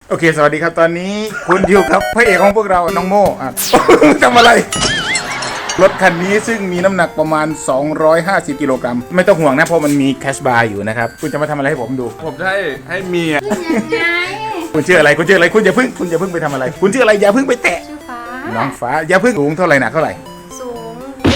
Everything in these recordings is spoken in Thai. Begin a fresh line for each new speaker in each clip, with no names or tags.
โอเคสวัสดีครับตอนนี้คุณอยู่กับพระเอกของพวกเราน้องโม่ทำอะไรรถคันนี้ซึ่งมีน้ำหนักประมาณ250กิโลกรัมไม่ต้องห่วงนะเพราะมันมีแคชบาร์อยู่นะครับคุณจะมาทำอะไรให้ผมดู
ผมจะให้เมีย
ยังไง
คุณชื่ออะไรคุณชื่ออะไรคุณอย่าเพิ่งไปทำอะไรคุณชื่ออะไรอย่าเพิ่งไปแตะ
ชื่อฟ้า
น้องฟ้าอย่าเพิ่งสูงเท่าไหร่หนักเท่าไหร่
สูง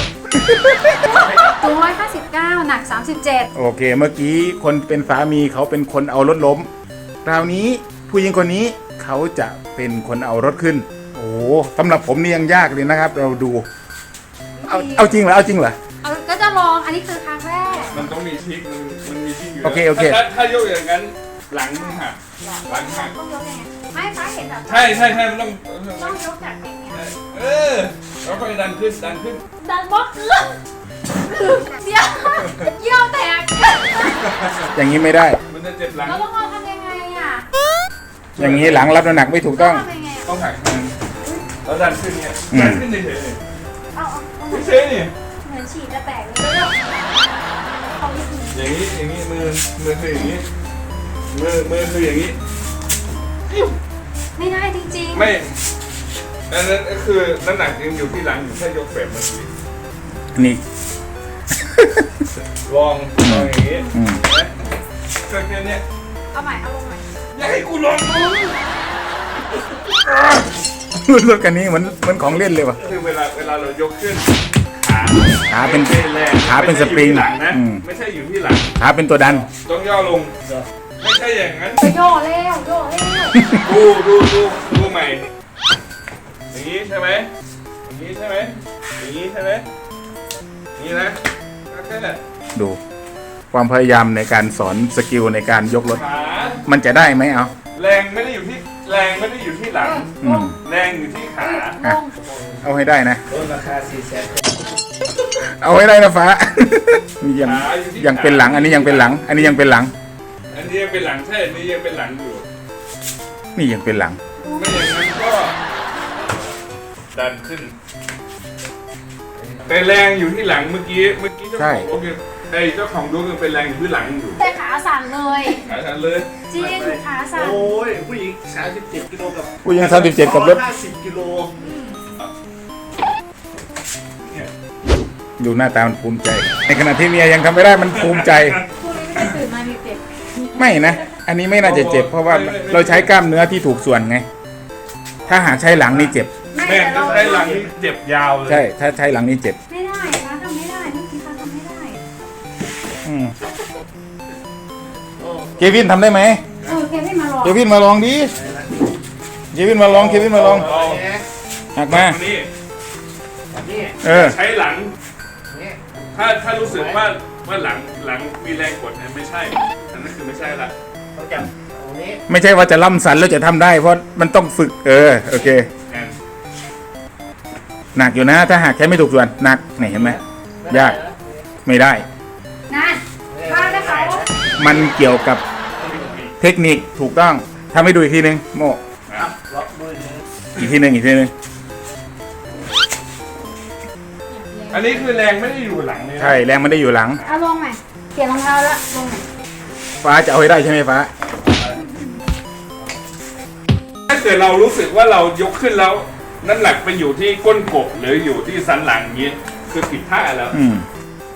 ตัว159หนัก37
โอเคเมื่อกี้คนเป็นสามีเขาเป็นคนเอารถล้มคราวนี้ผู้หญิงคนนี้เขาจะเป็นคนเอารถขึ้นโอ้สำหรับผมนี่ยังยากเลยนะครับเราดูเอาจริงเหรอเอาจริงเหรอ
ก็จะลองอันนี้คือครั้งแรก
มันต้องมีทิกมันมีทิกอยู่
โอเค
ถ้ายกอย่างนั้นหลังมึงหักหลังหัก
ต้องยกยังไงไม่ฟ้าเห็นแบบ
ใช่มันต้อง
ต้องยกจากอย่างเงี้ย
แล้วค่อยดันขึ้น
ดันบล็อกเดี๋ยวเยี่ยวแตก
อย่างนี้ไม่ได้
มันจะเจ็บหลัง
เราต้องเอาทำยังไงอ่ะ
อย่างนี้หลังรับน้ำหนักไม่ถูกต้อง
ทำยังไง
ต้องหักแล้วดันขึ้นเนี่ยดันขึ้นเฉย
เอา
ๆเฉยนี่
เหมือนฉีดจะแตกเลยเขาหยิบหนี
อย่างนี้มือคืออย่างนี้มือคืออย่างนี้
ไม่ได้จริงๆ
ไม่อันนั้นก็คือน้ำหนักยังอยู่ที่หลังอยู่แค่ยกแบบเมื่อกี้
นี่
ลองอย่างนี้
อืม
นะแค่เนี้ย
เอาใหม่เอาลงใหม่
อย่าให้กูลอง
รถคันนี้เหมือนของเล่นเลยว่ะ
คือเวลาเรายกขึ้นขา
เป็น
ไม่ใช่แรง
ขาเป็นสปริง
ไม่ใช่อยู่ที่หลังนะ
อืม
ไม่ใช่อยู่ที่หลัง
ขาเป็นตัวดัน
ต้องย่อลงไม่ใช่อย่างนั้น
ไปโย่แล้วโย่แล้ว
ดูใหม่อย่างนี้ใช่ไหมอย่างนี้ใช่ไหมอย่างนี้ใช่ไหมอย่างนี้นะแค่นั้น
ดู ความพยายามในการสอนสกิลในการยกรถ
ขา
มันจะได้ไหมเอา
แรงไม่ได้อยู่ที่หลัง
อืม
แรงอยู่ที่ขา
ลง
เอาให้ได้นะ
รถราคา400,000
เอาให้ได้นะฟ้า นี่ยัง
ขาอยู่ที่
ยังเป็นหลัง อันนี้ยังเป็นหลัง อันนี้ยังเป็นหลัง
อันนี้ยังเป็นหลังใช่อันนี้ยังเป็นหลังอยู่
นี่ยังเป็นหลัง
ไม่อย่างนั้นก็ดันขึ้นแต่แรงอยู่ที่หลังเมื่อกี้เจ้าของรถยังเจ้าของรถยังเป็นแรงอยู่ที่หลังอยู่
แต่ขาสั่นเลย
ขาฉันเลย
จริงขาสั่น
โอ้ยผู้หญิง37กิโลกับ
ผู้หญิง37กับรถ
50กิโล
ดูหน้าตามันภูมิใจ ในขณะที่เมียยังทำไม่ได้มันภูมิใจ
พวกนี้ไม่ได้ตื่นมามีเจ็บ
ไม่นะ อันนี้ไม่น่าจะเจ็บ เพราะว่าเราใช้กล้ามเนื้อที่ถูกส่วนไง ถ้าหากใช้หลังนี่เจ็บ
แม่จะใช้หลังนี่เจ็บยาวเลย
ใช่ ถ้าใช้หลังนี่เจ็บ
ไม่ได้ฟ้าทำไม่ได้เมื่อกี้ฟ้าทำไม่ได้
อืมเควินทำได้ไหม
เควินมาลอง
เควินมาลองดิเควินมาลอง
เอา
หักมา
นี่
นี่
เออ
ใช้หลัง
นี่
ถ้ารู้สึกว่าหลังมีแรงกดเนี่ยไม่ใช่อันนั้นคือไม่ใช่ละ
ต้องจับตรงนี้
ไม่ใช่ว่าจะล่ำสันแล้วจะทำได้ เพราะมันต้องฝึก โอเค
แอน
หนักอยู่นะ ถ้าหากใช้ไม่ถูกส่วนหนักนี่เห็นไหม ยาก ไม่ได้
นั่นฟ้าได้เขา
มันเกี่ยวกับเทคนิคถูกต้องทำให้ดูอีกทีนึงโม
ครับล็อกมือนี้
อีกทีนึง
อันนี้คือแรงไม่ได้อยู่หลังเลยนะ
ใช่แรงมันได้อยู่หลัง
เอาลงใหม่เปลี่ยนรองเท้าแล้วลงใหม่
ฟ้าจะเอาให้ได้ใช่ไหมฟ้า
ถ้าเกิดเรารู้สึกว่าเรายกขึ้นแล้วน้ำหนักไปอยู่ที่ก้นกบหรืออยู่ที่สันหลังอย่างนี้คือผิดท่าแล้ว
อืม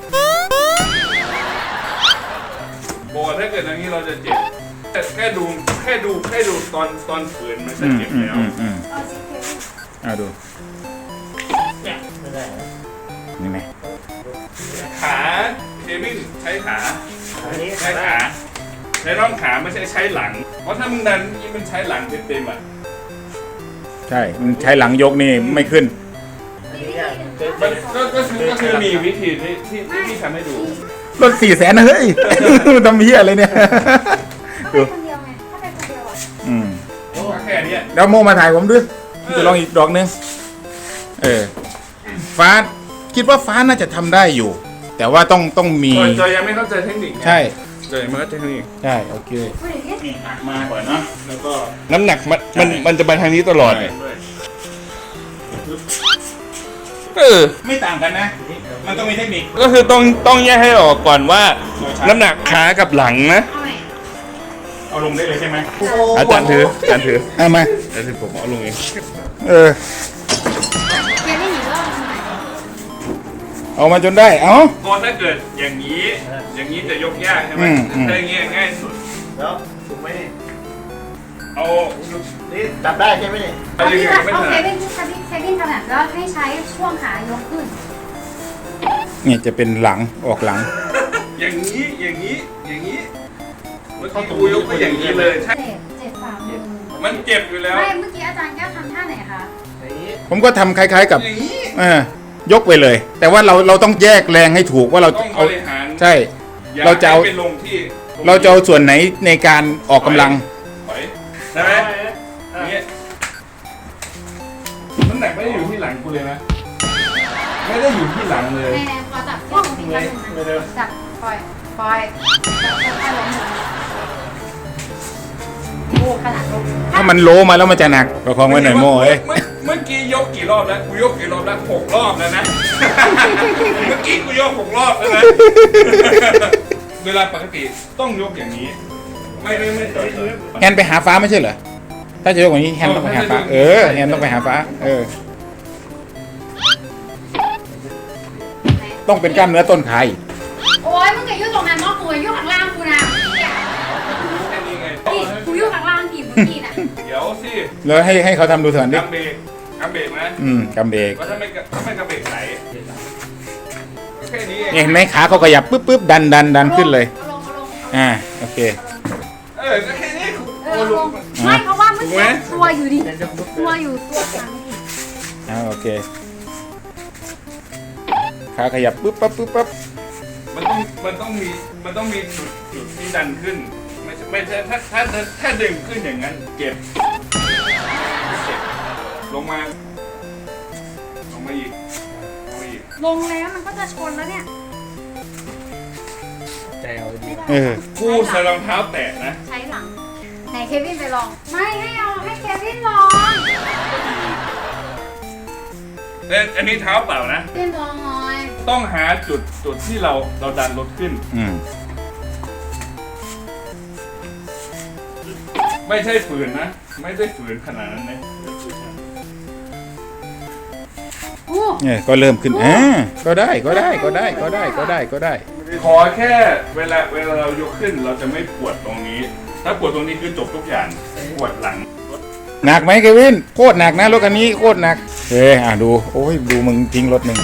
บอกว่าถ้าเกิดอย่างนี้เราจะเจ็บแค่ดูตอนฝืนมันจะเจ็บแล้ว
เอาสิเควิน
เอาดู
ไม่ได้นะ
นี่ไหม
ขาเควินใช้ขา
อันนี้
ใช้ขาใช้ร่องขาไม่ใช่ใช้หลัง เพราะถ้ามึงดันนี่มันใช้หลังเต็มๆอ่ะ
ใช่มันใช้หลังยกนี่ไม่ขึ้น
อันนี้ยาก
มันก็คือมีวิธีที่ทำให้ดู
รถ400,000นะเฮ้ย ทำเหี้ยอะไรเนี่ย
ถ้าไปคนเดียวไงถ้าไปคนเดียวอ่ะ
อืม
ก็แค่เนี้ย
แล้วโมมาถ่ายผมด้วยจะลองอีกดอกนึงฟ้าคิดว่าฟ้าน่าจะทำได้อยู่ แต่ว่าต้องมี
จอยยังไม่เข้าใจเทคนิคไง
ใช่
จอยยังไม่เข้าใจเทคนิค
ใช่โอเค
ผู้หญิงที่
หักมาก่อนเนาะแล้วก็
น้ำหนักมันจะไปทางนี้ตลอด
ไม่ต่างกันนะ มันต้องมีเทคนิค
ก็คือต้องแยกให้ออกก่อนว่าน้ำหนักขากับหลังนะ
เอาใหม่
เอาเอาลงได้เลยใช่ไหม
อาจารย์ถืออาจารย์ถือ
เอามา
อาจารย์ถือผมเอาลงเอง
เออ
เกมไม่หนีรอบทำไม
เอามาจนได้เอา
ก็ถ้าเกิดอย่างนี้จะยกยากใช่ไหม
อืม
ถ้าอย่างนี้ง่ายสุด
แล้วถูกไหมนี่
เอา
นี่จับได้ใช่ไหมนี่
เอาอย่างนี้ไม่
เอา
ถ
เค
นัด
วินเควินถนัดแล้วให้ใช้ช่วงขายกขึ้น
เนี่ยจะเป็นหลังออกหลัง
อย่างนี้เมื่อกี้กูยกไปอย่างนี้เลยใช่
เจ็บฝ่ามือ
มันเจ็บอยู่แล้ว
ไม่เมื่อกี้อาจารย์แก้วทำท่าไหนคะ
อย่างนี้
ผมก็ทำคล้ายๆกับ
อย่างนี้
ยกไปเลย แต่ว่าเราต้องแยกแรงให้ถูกว่าเรา
ต้องบ
เอา
ริหาร
ใช่
อย่
เราจะเอา
ให้ไปลงที่
เราจะเอาส่วนไหนในการออกกำลัง
ถอยใช่ไหมอย่างนี้น้ำหนักไม่ได้อยู่ที่หลังกูเลยนะไม่ได้อยู่ที่หลังเลย
ในพอจับที่ตรงนี้แล้วนะจับปล่อยจับค่อยๆล้มลงโอ้ขนาดลง
ถ้ามันโลมาแล้วมันจะหนักประคองไว้หน่อยโม่เอ้ย
เมื่อกี้ยกกี่รอบแล้วกูยกกี่รอบแล้ว6 รอบแล้วนะ เมื่อกี้กูยก6 รอบแล้วนะ เวลาปกติต้องยกอย่างนี้ ไม่ต่อย
แฮนไปหาฟ้าไม่ใช่เหรอ ถ้าจะยกอย่างนี้แฮนต้องไปหาฟ้า แฮนต้องไปหาฟ้า ต้องเป็นกล้ามเนื้อต้นขาอีก
โอ้ยมึงอย่ายุ่งตรงนั้นเนาะกูอย่ายุ่งข้างล่างกูนะ
แค่นี้ไง
นี่กูยุ่งข้างล่างกี่มึงกี่น่ะ
เดี๋ยวสิ
แล้วให้เขาทำดูเถอะดิ
กำเบรกนะ
กำเบรก
ว่าถ้าไม่กำเบรกไหลแค่นี้
เห็นไหมขาเขาขยับปึ๊บดันขึ้นเลย
เอาลง
โอเค
ก็แค่นี้
เอาลงไม่เพราะว่าเมื่อกี้ตัวอยู่ดิตัวอยู่ตัวทางดิ
โอเค ขาขยับปึ๊บปั๊บ
มันต้องมีจุดที่ดันขึ้น ไม่ใช่ถ้าดึงขึ้นอย่างนั้นเจ็บลงมาอีก
ลงแล้วมันก็จะชนแล้วเนี่ย
ใจเอาดี
คู่ใส่รองเท้าแตะนะ
ใช้หลังไหนเควินไปลอง ไม่ให้เควินลอง
แต่อันนี้เท้าเปล่านะ
เควินลองหน่อย
ต้องหาจุดที่เราดันรถขึ้น ไม่ใช่ฝืนนะ ไม่ได้ฝืนขนาดนั้นนะ
อู้
เนี่ยก็เริ่มขึ้นก็ได้
ขอแค่เวลาเรายกขึ้นเราจะไม่ปวดตรงนี้ ถ้าปวดตรงนี้คือจบทุกอย่างปวดหลัง
หนักไหมเควิน โคตรหนักนะรถคันนี้โคตรหนักดู โอ้ยดูมึงทิ้งรถหนึ่ง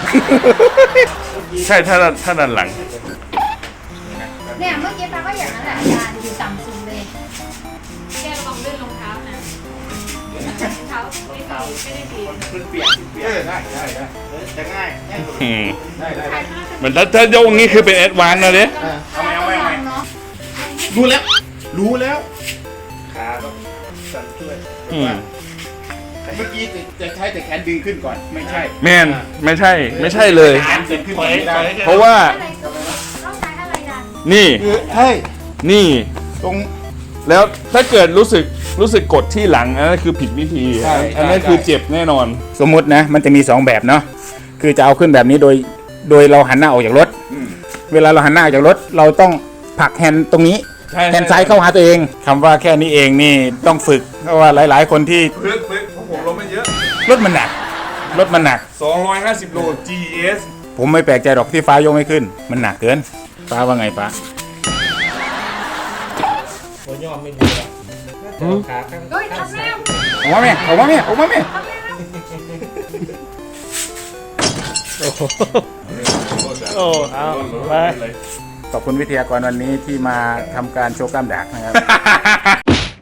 ใช่ถ้าดันหลัง
เนี่ยเมื่อกี้ป้าก็อย่างนั้นแหละอาจารย์อยู่ต่ำสุดเลยแกลองเลื่อนรองเท้านะเท้าไม่ได้ดี
ขึ้นเปียก
ได้
จะง่ายง่ายสุด
เหมือนถ้ายกนี้คือเป็นแอดวานซ์นะเนี่ย
เอาไหมเนาะ
รู้แล้ว
ขาต้องสั่นช่วย
เมื่อกี้จะใช้แต่แขนดึงขึ้นก่อน ไม่ใช่
แมนไม่ใช่เลย
แขนดึงขึ้นไม่ได้
เพราะว่า
อะไรต้องใช้อะไรดัน
นี่
คือใช่
นี่
ตรง
แล้วถ้าเกิดรู้สึกกดที่หลังอันนั้นคือผิดวิธี
ใช่
อันนั้นคือเจ็บแน่นอน
สมมุตินะ มันจะมี2แบบเนาะ คือจะเอาขึ้นแบบนี้โดยเราหันหน้าออกจากรถ เวลาเราหันหน้าออกจากรถ เราต้องผลักแฮนด์ตรงนี้
ใช่
แฮนด์ซ้ายเข้าหาตัวเองคำว่าแค่นี้เองนี่ต้องฝึก เพราะว่าหลาย ๆ คนที่
ฝึกเพราะผมลงไม่เยอะ
รถมันหนัก
250 โล GS
ผมไม่แปลกใจหรอกที่ฟ้ายกไม่ขึ้น มันหนักเกิน ฟ้าว่าไงฟ้า
หัวยอมไม่ดีอ่ะขาข้าง
เฮ้ยทับแล้ว
ออกมาแม่
โอ้เอาไป
ขอบคุณวิทยากรวันนี้ที่มาทำการโชว์กล้ามดักนะครับ